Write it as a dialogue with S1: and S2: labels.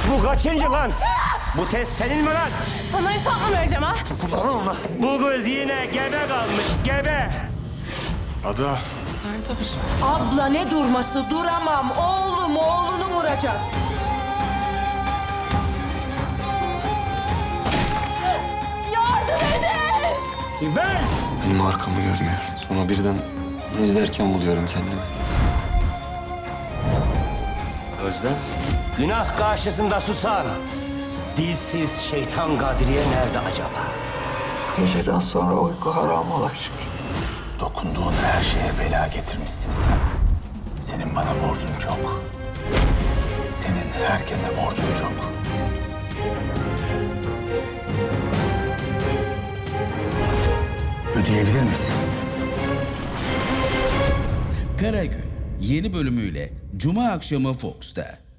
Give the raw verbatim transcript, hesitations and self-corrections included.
S1: Bu kaçıncı lan? Bu test senin mi lan?
S2: Sana hesap mı vereceğim ha?
S1: Allah! Bu kız yine gebe kalmış, gebe.
S3: Ada.
S2: Serdar.
S4: Abla ne durması? Duramam. Oğlum oğlunu vuracak. Yardım edin!
S1: Sibel!
S5: Benim arkamı görmüyor. Sonra birden izlerken buluyorum kendimi.
S1: Özlem. Günah karşısında susan dilsiz şeytan Kadriye nerede acaba?
S6: Geceden sonra uyku haram ola şükür.
S7: Dokunduğun her şeye bela getirmişsin sen. Senin bana borcun çok. Senin herkese borcun çok. Ödeyebilir misin?
S8: Karagül yeni bölümüyle Cuma akşamı Fox'ta.